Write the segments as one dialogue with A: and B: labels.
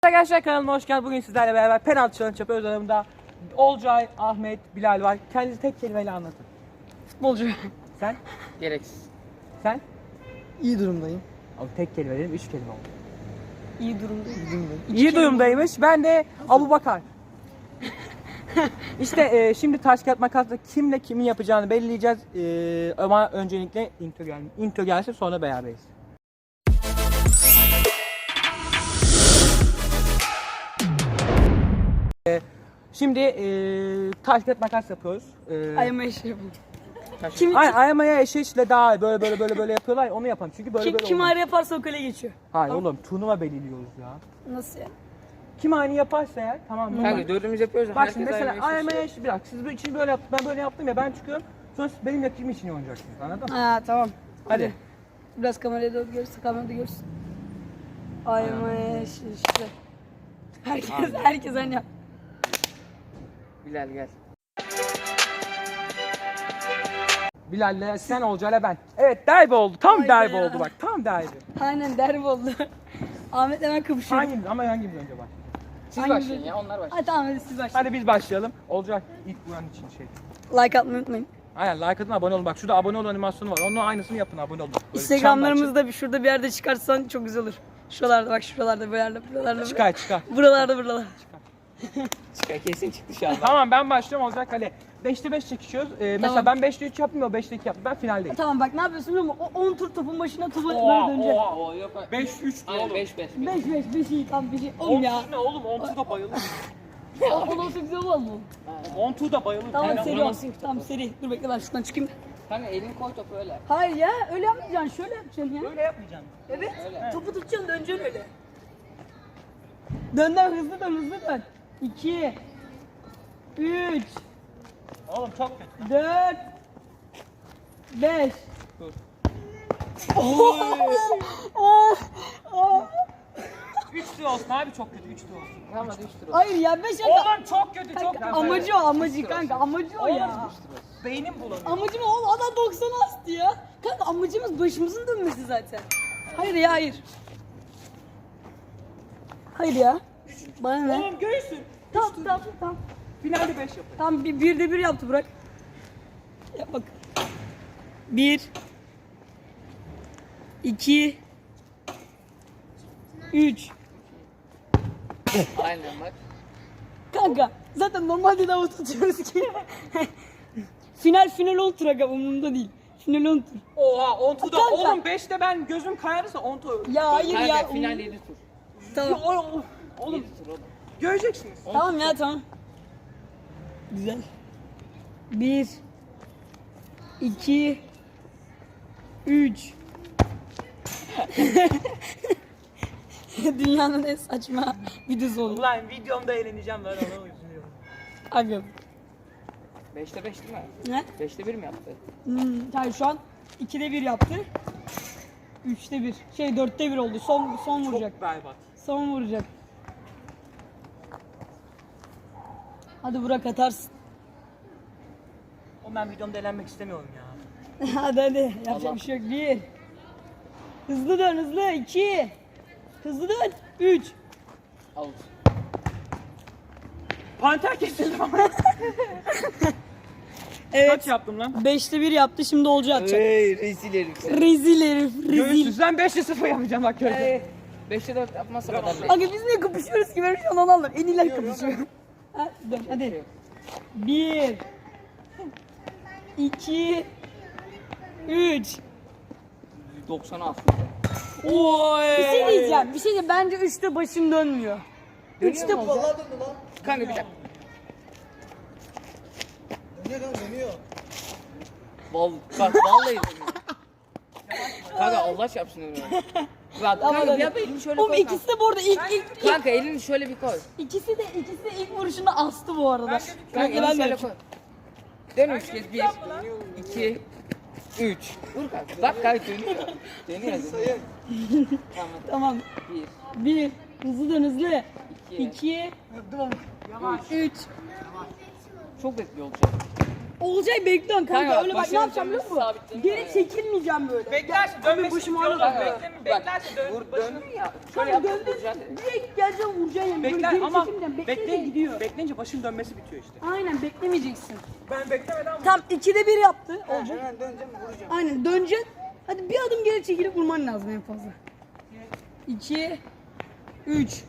A: Arkadaşlar kanalıma hoş geldiniz. Bugün sizlerle beraber penaltı challenge yapıyoruz. Aramda Olcay, Ahmet, Bilal var. Kendinizi tek kelimeyle anlatın.
B: Futbolcu.
A: Sen?
C: Gereksiz.
A: Sen?
B: İyi durumdayım.
A: Abi tek kelime dedim, 3 kelime oldu.
B: İyi durumdayım.
A: İyi durumdaymış. Ben de Abubakar. İşte şimdi taş kağıt makasla kimle kimin yapacağını belirleyeceğiz. Ama öncelikle intro gelsin, sonra beraberiz. Şimdi taş kağıt makas yapıyoruz.
B: Ayağıma eşi yapalım.
A: Ayamaya eşeğiyle daha böyle yapıyorlar. Onu yapalım. Çünkü böyle
B: Kim
A: olmaz.
B: ayrı yaparsa o kale geçiyor.
A: Hayır oğlum, turnuva belirliyoruz ya.
B: Nasıl ya?
A: Kim aynı yaparsa eğer tamam mı?
C: Kanka dördümüz yapıyoruz.
A: Bak şimdi mesela ayamaya eşi, bir dakika. Siz için böyle yaptınız, ben böyle yaptım ya, ben çıkıyorum. Sonra siz benim yaptığım için oynayacaksınız, anladın mı?
B: Ha tamam.
A: Hadi.
B: Biraz kameraya doğru görürsün, kamerada görürsün. Ayağıma eşi işte. Herkes aynı yap.
C: Bilal gel.
A: Bilal'le sen, Olcay'la ben. Evet, derbi oldu. Tam
B: Vay
A: derbi
B: be.
A: oldu bak. Tam derbi.
B: Aynen derbi oldu. Ahmet hemen kapışıyor.
A: Hangimiz önce bak.
C: Siz
B: Hangimiz?
C: başlayın ya, onlar başlayın.
B: Hadi tamam hadi siz başlayın.
A: Hadi biz başlayalım. Olcay ilk buranın için şey.
B: Like atmayı unutmayın.
A: Aynen, like atın, abone olun. Bak şurada abone ol animasyonu var. Onun aynısını yapın, abone olun. Böyle
B: Instagramlarımızda şurada bir yerde çıkarsan çok güzel olur. Şuralarda bak, şuralarda, buralarda.
A: çıkar.
B: Buralarda.
C: Çıkar, kesin çıktı şu an.
A: Tamam, ben başlıyorum, Olcay kale. 5'te 5 çekişiyoruz. Mesela ben 5'te 3 yaptım, o 5'te 2 yaptı. Ben finaldeyim.
B: Tamam bak ne yapıyorsun biliyor musun? O 10 tur topun başına topu böyle dönecek.
C: Oo yok.
A: 5-3
C: Aynen
A: oğlum.
C: 5 5.
B: 5 iyi tam bir şey. Oğlum ya.
A: Ne oğlum, 10 turda bayılır.
B: O olsa güzel olmaz mı?
A: 10 turda bayılır.
B: Tamam
C: Aynen,
B: seri ol.
C: vuramazsın ki topu.
B: Tamam seri. Dur bekle ben şuradan çıkayım.
C: Kanka elini koy topu öyle.
B: Hayır ya öyle yapmayacaksın. Şöyle yapacaksın ya.
A: Böyle yapmayacağım.
B: Evet.
C: Öyle.
B: Topu tutacaksın döneceksin öyle. Dön hızlı dön. 2 3
A: Oğlum çok kötü.
B: 4 5
C: Dur.
B: Oh!
A: 3 tur olsun abi, çok kötü 3 tur olsun.
C: Tamam hadi 3 tur olsun.
B: Hayır ya 5
A: Oğlum çok kötü, çok kötü.
B: Amacı kanka amacı o ya.
A: Beynim bulanıyor.
B: Amacım o adam 90 astı ya. Kanka amacımız başımızın dönmesi zaten. Hayır ya hayır. Hayır ya. Bana ne?
A: Oğlum göğsün.
B: Tamam.
A: Finalde 5 yapın.
B: Tamam bir de bir yaptı bırak. Yap bak. 1 2 3
C: Aynen bak.
B: Kanka zaten normalde de avuç atıyoruz ki. final 10 tur aga umurumda değil. Final 10 tur.
A: Oha 10 turda.
B: Kanka.
A: Oğlum 5'te ben gözüm kayarsa 10 tur.
B: Ya hayır
C: Kanka
B: ya.
C: final 7 tur.
B: Tamam.
A: Oğlum
C: 7 tur oğlum.
A: göreceksiniz.
B: Tamam ya tamam. Güzel. 1 2 3 Dünyanın en saçma videosu oldu.
A: Ulan videomda eğleneceğim, ben ona üzülüyorum.
B: Abi.
C: 5'te 5 değil mi?
B: Ne?
C: 5'te 1 mi yaptı?
B: Yani şu an 2'de 1 yaptı. 3'te 1. 4'te 1 oldu. Son vuracak.
A: Çok berbat.
B: Son vuracak. Hadi Burak atarsın.
A: Oğlum ben videomda eğlenmek istemiyorum ya.
B: hadi. Yapacak bir şey yok. 1 Hızlı dön hızlı. 2 Hızlı dön. 3
C: Out.
A: Panter kesildi ama.
B: Evet.
A: Kaç yaptım lan?
B: 5'te 1 yaptı. Şimdi Olcu atacak.
C: Hey rezil herif.
B: Rezil herif. Rezil.
A: Göğsüz, ben 5'te 0 yapacağım bak göreceksin.
C: 5'te 4 yapmazsa kadar değil.
B: Aga biz niye kapışıyoruz ki? Ben şu an onu anlarım. En iyiler kapışıyor. Ha, dön hadi. 1 2 3
C: 96.
A: Oy.
B: Bir şey diyeceğim. Bence 3'te başım dönmüyor. 3'te
C: Vallahi döndü lan. Kanka bir dakika. Bak vallahi dönüyor. Kanka Allah çarpsın öyle. Bak kanka bir yap elini şöyle
B: Oğlum
C: koy.
B: ikisi de bu arada ilk
C: Kanka elini şöyle bir koy.
B: ikisi de ilk vuruşunda astı bu arada.
C: Kanka
B: Ben
C: elini şöyle
B: de
C: koy. Dön 3 kez. 1 2 3. Vur kanka. Bak kanka dönüyor. Dönüyor.
B: Tamam.
C: 1
B: 1 hızlı dön hızlı.
C: 2
B: 2 3
C: Çok bekliyor olacak.
B: Olcay bekliyorsun kanka.
C: Kanka,
B: Öyle bak ne
C: başını
B: yapacağım biliyor musun?
C: sabitledim
B: Geri
C: ya.
B: çekilmeyeceğim böyle.
A: Beklersin
B: Abi
A: dönmesi
B: başım
A: bitiyor.
B: ağrıyor.
A: Beklersin
C: Döndün ya. Şöyle
B: Kanka
C: yap.
B: döndün. Direkt geleceğim vuracaksın yani. Böyle
A: Bekler
B: geri
A: ama
B: çekilmeyeceğim. Bekleyince gidiyor.
A: bekleyince başın dönmesi bitiyor işte.
B: Aynen beklemeyeceksin.
A: Ben beklemeden
B: Tam 2'de 1 yaptı Olcay.
C: Hemen döneceğim vuracağım.
B: Aynen döneceksin. Hadi bir adım geri çekilip vurman lazım en fazla. 2 3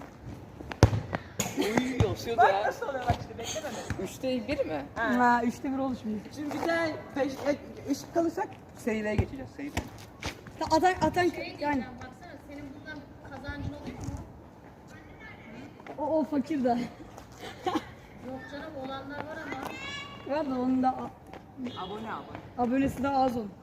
C: Uy yosyordu ya.
A: nasıl oluyor bak işte beklememe.
C: 3'te 1 mi?
B: Ha 3'te 1 oldu şimdi.
A: Şimdi bir de ışık kalırsak seriye geçeceğiz. Seriye.
B: Atan yani
D: Baksana senin bundan kazancın oluyor mu?
B: o fakir de.
D: Yok canım olanlar var ama.
B: Var da onun da
A: Abone.
B: abonesi de az onun.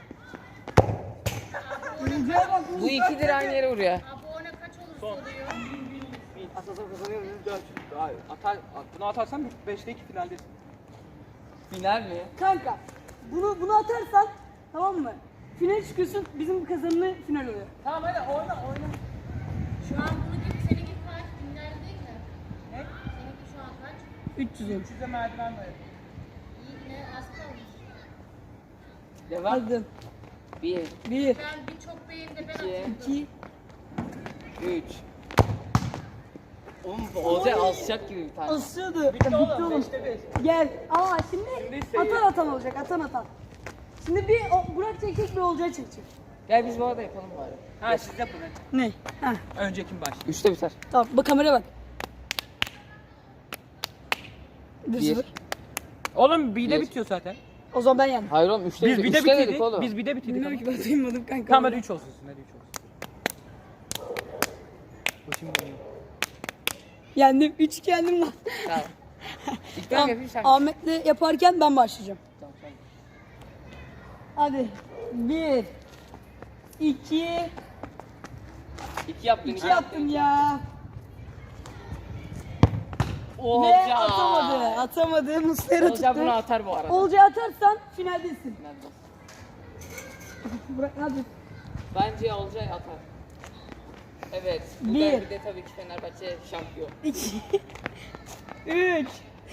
B: Olcay'a bak
C: Bu 2 lira aynı yere vuruyor.
D: Abone kaç olursa oluyor.
A: Asasam kazanıyorum 4. Bunu atarsan 5'te 2 finaldesin.
C: Final mi?
B: kanka. Bunu atarsan tamam mı? Final çıkıyorsun bizim kazanımlı final oluyor.
A: Tamam hadi oyna.
D: Şu an bunu gibi seninki kaç? Binler değil mi?
A: Ne?
D: Seninki şu an kaç?
B: 300 olmuş.
A: Size merdiven var.
D: İyi yine az kalmış.
C: Devam.
B: Hadi.
C: 1,
B: 1
D: Ben birçok beyin de ben
C: 2,
D: atıyordum.
B: 2
C: 3. Oğlum Olcay alçak gibi bir tane.
B: asıyordu.
A: Bitti oğlum 5'te 5.
B: Gel. Aa şimdi
A: Şimdi
B: atan olacak. Atan. Şimdi bir Burak çekecek bir Olcay çekecek.
C: Gel biz bu arada yapalım bari.
A: Ha siz yapın hadi.
B: Ne? Ha.
A: Önce kim başlıyor?
C: 3'te biter.
B: Tamam bak kameraya bak. 1
C: 1.
B: 0.
A: Oğlum bir de
C: Bir.
A: bitiyor zaten.
B: O zaman ben yendim.
C: Hayır oğlum 3'te
A: Biz bir de
C: 3'te dedik
A: bitirdik.
C: oğlum.
A: Biz bir de bitirdik.
B: Bilmiyorum ki ben duymadım kanka.
A: Tamam hadi 3 olsun. Hadi 3 olsun. Başım dönüyor.
B: Yendim. 3 yendim lan.
C: Tamam. İlk ben
B: Tamam.
C: yapayım sen.
B: Ahmet'le yaparken ben başlayacağım.
C: Tamam, sen.
B: Hadi. 1 2
C: 2 yaptın.
B: 2 yaptım ya.
C: Olcay.
B: Ve atamadı. Muslera
C: Olcay bunu
B: tuttu.
C: atar bu arada.
B: Olcay atarsan finaldesin.
C: Nerede?
B: Burak hadi.
C: Bence Olcay atar. Evet. Bu
B: Bir.
C: derbide tabii ki Fenerbahçe şampiyon.
B: 2 3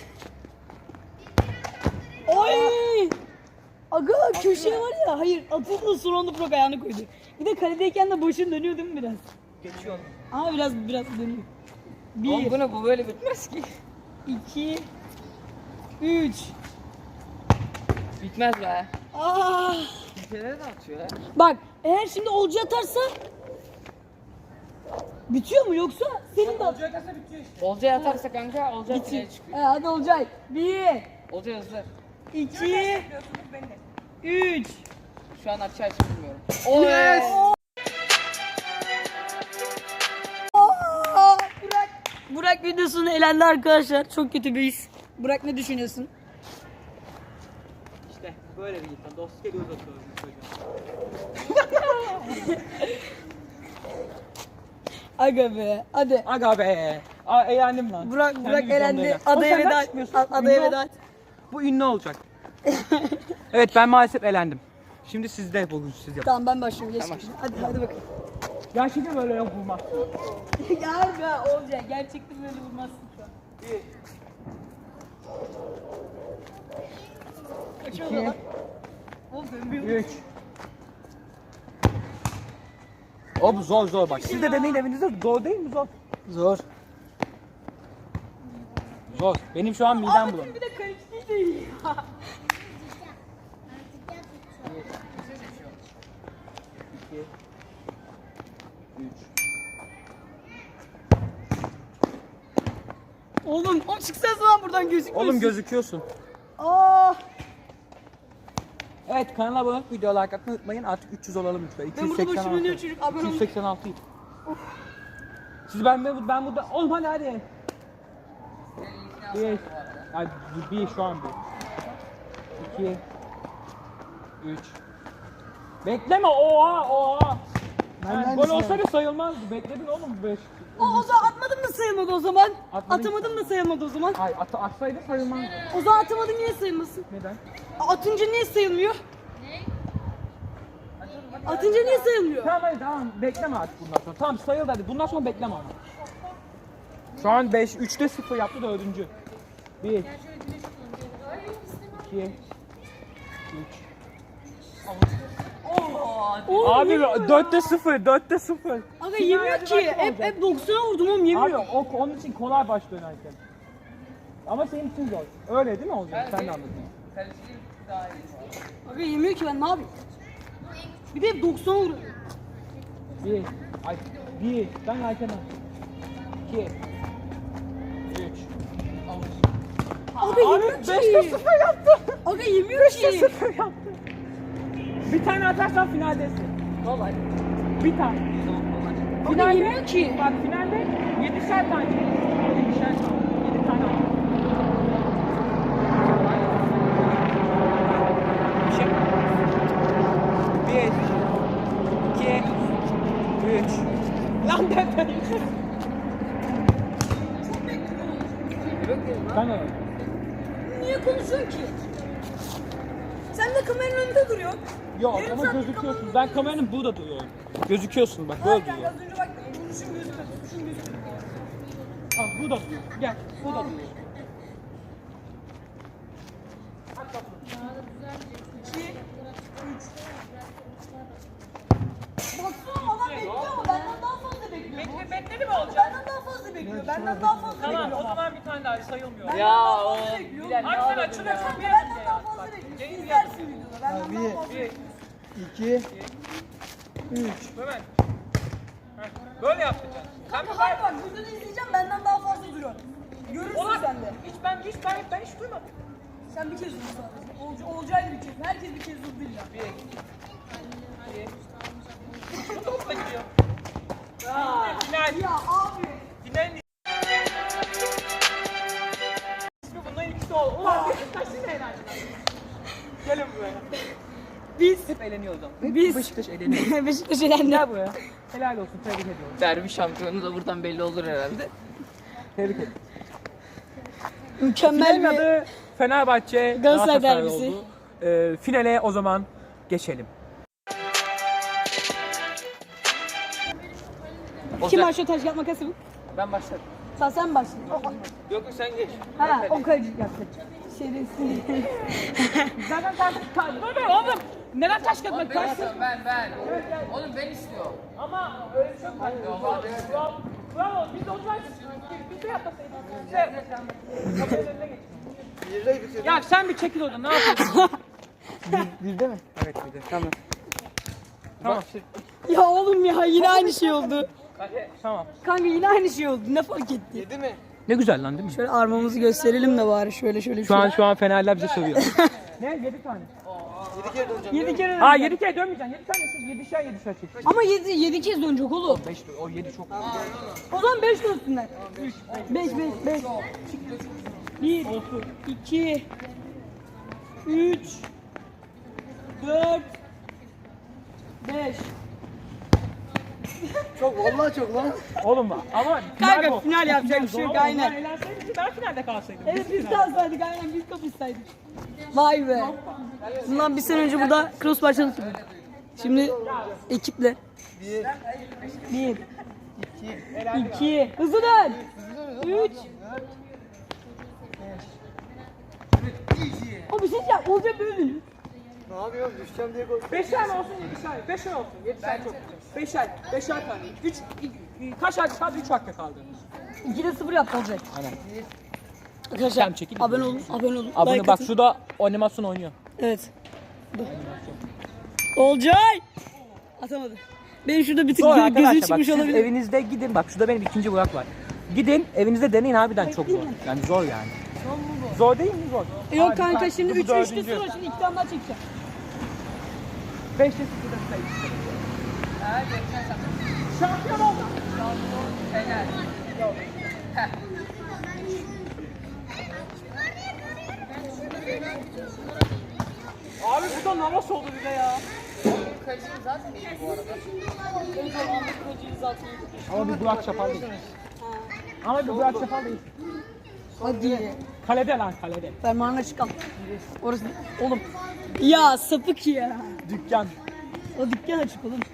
B: Oy! Aga köşeye var ya, hayır atıldı son anda Burak ayağını koydu. Bir de kaledeyken de başın dönüyor değil mi biraz?
A: Geçiyor.
B: Ama biraz dönüyor.
C: Oğlum bu böyle bitmez ki.
B: 2 3
C: Bitmez be.
B: Ah!
C: Ülkelere de atıyor ya.
B: Bak eğer şimdi Olcay atarsa bitiyor mu yoksa senin de
A: Olacak aslında bitiyor işte.
C: Olcay atarsa kanka Olcay finale çıkıyor.
B: Hadi Olcay. 1
C: Olcay hızlı.
B: 2 3
C: Şu an açı açı bilmiyorum. Yes.
B: Burak videosunu elendi arkadaşlar. Çok kötü bir his. Burak ne düşünüyorsun?
A: İşte böyle bir insan. Dostluk eli uzatıyorum bu çocuğa.
B: Aga be. Hadi.
A: Aga be. Eğlendim lan.
B: Burak
A: Kendi
B: Burak
A: videomda
B: elendi.
A: eğlendim.
B: Adaya
A: Oğlum sen
B: veda.
A: ben çıkmıyorsun.
B: Adaya
A: Ünlü ol.
B: veda.
A: Bu ünlü olacak. Evet ben maalesef elendim. Şimdi sizde bugün siz yapın.
B: Tamam ben başlıyorum. Geç.
C: Tamam.
B: Hadi bakalım.
A: Gerçekten böyle yok bulmaz.
B: Gel be Olcay. Gerçekten böyle vurmazsın şu an. Kaç oldu lan? Oğlum ben bir
A: 3. O bu zor bak. Siz de deneyin evinizde zor değil mi zor?
B: Zor.
A: Zor. Benim şu an midem bulanıyor.
B: Bir de karıştı değil.
A: 3.
B: Oğlum o çıksana lan buradan gözükmüyorsun.
A: Oğlum gözüküyorsun.
B: Aa,
A: Evet kanala abone olup videoya like atmayı unutmayın. Artık 300 olalım lütfen.
B: ben burada başım dönüyor çocuk. Abone olun.
A: 286 'yım. Siz ben burada oğlum hadi. Bir. Hadi bir şu an bir. 2 3 Bekleme oha. Yani gol olsaydı sayılmazdı. Bekledin oğlum 5.
B: O zaman atmadım da sayılmadı o zaman.
A: Atmadın
B: Atamadım da sayılmadı o zaman.
A: Hayır atsaydı sayılmazdı.
B: O zaman atamadım niye sayılmasın?
A: Neden?
B: Atınca niye sayılmıyor? Atınca niye sayılmıyor?
A: Tamam bekleme artık bundan sonra. Tamam sayıldı hadi. Bundan sonra bekleme ama. Şu an 5 3'te 0 yaptı 4. 1
D: Gel şöyle güneş tutalım. Ay yok istemem.
A: 2 3.
C: Oo,
A: Abi 4'te 0, 4'te 0.
B: Aga yemiyor ki. Hep 90'a vurdum oğlum
A: Abi
B: yemiyor.
A: onun için kolay baş dönerken. Ama senin için zor. Öyle değil mi olacak? Sen de anladın.
C: Kaleciliğim daha iyi.
B: Aga yemiyor ki ben ne yapayım? Bir de hep 90'a vuruyor.
A: 1. Ben Ayten'im. 2 3.
B: Aga yemiyor
A: Abi
B: ki.
A: 5'te 0 yaptı.
B: Aga yemiyor
A: 5'te
B: ki.
A: 0 yaptı. Bir tane atarsan finaldesin.
C: Kolay.
A: Bir tane.
B: Aga yemiyor ki.
A: Bak finalde 7'şer tane. 7'şer tane. 7 tane. Şey. 1 2 3. Lan ben Ben öyle.
B: Niye konuşuyorsun ki? Sen de kameranın önünde duruyorsun.
A: Yok
B: Yarım
A: ama
B: saattir
A: gözüküyorsun. Ben kameranın burada duruyorum. Gözüküyorsun bak böyle
B: Kanka
A: duruyor.
B: az önce bak duruşun gözükmedi. Duruşun gözükmedi.
A: Bak burada duruyor. Gel burada duruyor.
B: Baksana adam bekliyor ama benden daha fazla bekliyor.
A: Bekledi mi olacak?
B: Benden daha fazla bekliyor. Benden daha fazla
A: Tamam
B: bekliyor.
A: o zaman bir tane daha sayılmıyor.
C: Ya o Bilal
A: Abi
C: ne
A: sen
C: yapıyorsun
A: açılıyorsun
C: ya?
A: bir
B: Benden daha fazla bekliyor. İzlersin videoda. Benden daha fazla bekliyor.
A: 2 3 Hemen. Böyle yapacaksın. Sen bir
B: Hayır bak videoda izleyeceğim benden daha fazla duruyor. Görürsün sen de.
A: ben hiç duymadım.
B: Sen bir kez dur sadece. Olcayla bir kez. Herkes bir kez durdu illa.
A: Bu topla gidiyor. Final.
B: Ya abi.
A: Finalin ismi bunların ikisi oldu. Ulan Beşiktaş yine eğlendi. Gelin buraya.
B: Biz.
A: Hep eğleniyor o zaman.
B: Biz.
A: Beşiktaş eğleniyor.
B: Beşiktaş elendi.
A: Gel buraya. Helal olsun. Tebrik ediyorum.
C: Derbi şampiyonu da buradan belli olur herhalde.
A: Tebrik ederim.
B: Mükemmel
A: Finalin
B: bir.
A: adı Fenerbahçe
B: Galatasaray
A: Galatasaray
B: derbisi.
A: oldu. Finale o zaman geçelim.
B: Kim
C: Olacak.
B: başlıyor taş yapmak nasıl?
C: Ben başladım.
B: Sen başla.
C: Yok yok sen geç.
B: Ha o kaleci yapacak. Şerefsiz.
A: Zaten taş kaldı. Dur oğlum. Neden taş kazmak?
C: Ben
A: Taş
C: istiyorum ben. Oğlum ben istiyorum.
A: Ama öyle bir şey yok. Bravo. Biz de o zaman biz de yapmasaydık. Kameranın önüne geç. Ya sen bir çekil oradan. Ne yapıyorsun?
C: Birde mi?
A: Evet bir de. Tamam. Tamam.
B: Ya oğlum ya yine aynı şey oldu.
A: Tamam.
B: Kanka yine aynı şey oldu. Ne fark etti?
C: Yedi mi?
A: Ne güzel lan değil mi?
B: Şöyle armamızı gösterelim de bari şöyle.
A: Şu an Fenerler bize sövüyor. Ne? 7 tane.
B: 7 kere.
A: Ha 7 kere dönmeyeceksin. 7 tane 7'şer çek.
B: Ama 7 kez dönecek oğlum.
A: 5 o 7 çok.
B: O zaman 5 dönsünler. 5. 1 2 3 4 5.
C: Çok vallahi çok lan.
A: Oğlum bak ama
B: Kanka,
A: bu.
B: final yapacak bir şey yok,
A: Zor.
B: aynen.
A: Onlar eğlenseydi ki ben finalde kalsaydım.
B: Evet biz kalsaydık aynen biz kapışsaydık. Vay be. Bundan bir sene önce burada cross başladık. Şimdi ekiple. 1 2 hızlı dön. 3 O bir şey yap. Olacak böyle dönüyor.
C: Ne yapıyorsun? Düşeceğim diye korkuyorum.
A: 5'er mi olsun 7'şer? 5'er olsun 7'şer çok. 5'er tane. 3 kaç hakkı kaldı? 3 hakkı kaldı.
B: 2'de 0 yaptı olacak.
A: Aynen.
B: Arkadaşlar
A: Tamam, çekil.
B: abone olun.
A: Abone
B: Like
A: bak
B: atın.
A: şurada animasyon oynuyor.
B: Evet. Dur. Olcay. Atamadı. Benim şurada bir tık
A: Zor
B: gözü
A: arkadaşlar bak
B: çıkmış
A: siz
B: olabilir.
A: evinizde gidin bak şurada benim ikinci Burak var. Gidin evinizde deneyin harbiden çok zor. Yani zor yani. Zor değil mi zor?
B: Yok
A: Hadi,
B: kanka
A: bak,
B: şimdi
A: bu
B: 3
A: dördüncü.
B: 3'te 0 şimdi 2 tane daha çekeceğim.
A: 5'te 0'da sayı. Şampiyon oldum.
C: Fener.
A: Abi bu da namaz oldu bize ya.
C: Kalecim zaten iyi bu arada.
A: Ama bir Burak Çapal değil. Ama bir Burak Çapal değil.
B: Hadi.
A: Kalede lan kalede.
B: Fermanına çıkalım. Orası oğlum. Ya sapık ya.
A: Dükkan.
B: O dükkan açık oğlum.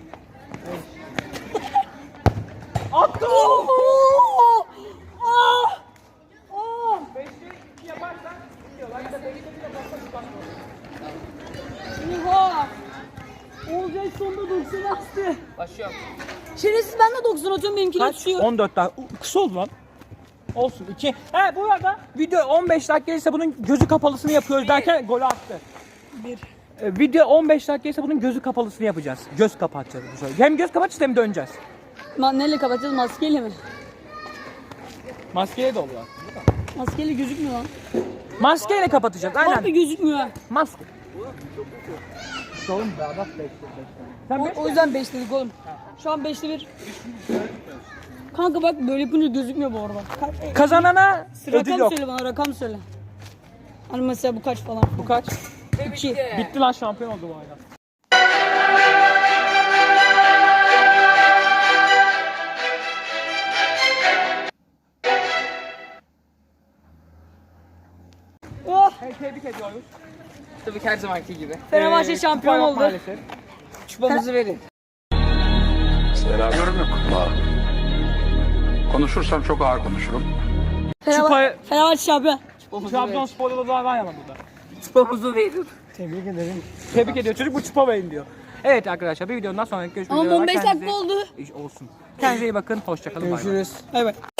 A: Attı!
B: Oo! Ah! Ah!
A: 5'te 2 yaparsan gidiyor. Lan bir de 5'te 1 yaparsan
B: Şerefsiz ben de 90 atıyorum benimkiler
A: Kaç?
B: düşüyor.
A: 14 dakika. Kısa oldu lan. Olsun 2. He bu arada video 15 dakika ise bunun gözü kapalısını yapıyoruz derken golü attı.
B: 1.
A: Video 15 dakika ise bunun gözü kapalısını yapacağız. Göz kapatacağız bu sefer. Hem göz kapatacağız hem döneceğiz.
B: Neyle kapatacağız? Maskeyle mi?
A: Maskeyle de oluyor.
B: Maskeyle gözükmüyor lan.
A: Maskeyle kapatacağız
B: Harbi
A: aynen.
B: gözükmüyor ha.
A: Maske. Oğlum be bak 5. Sen 5
B: O yüzden 5 dedik oğlum. Şu an 5'te 1. Kanka bak böyle yapınca gözükmüyor bu arada.
A: kazanana ödül
B: Rakam
A: yok.
B: söyle bana, rakam söyle. Hani mesela bu kaç falan.
A: Bu kaç?
B: 2.
A: Bitti lan, şampiyon oldu bu ayda.
B: Oh!
A: Hey, tebrik ediyoruz.
C: Tabii ki her zamanki gibi.
B: Fenerbahçe şampiyon
A: kupa yok
B: oldu.
A: maalesef.
C: Çupamızı verin.
E: Yorum yok. Konuşursam çok ağır konuşurum.
B: Fenerbahçe şampiyon.
A: Trabzonspor'da da daha var ama burada.
C: Çupamızı verin.
A: Tebrik ediyor çocuk, bu çupa verin diyor. Evet arkadaşlar, bir videonun daha sonra görüşmek
B: Ama
A: üzere.
B: 15
A: Kendinize-
B: dakika oldu.
A: Olsun. Kendinize iyi bakın. Hoşçakalın. Bay bay.
B: Evet.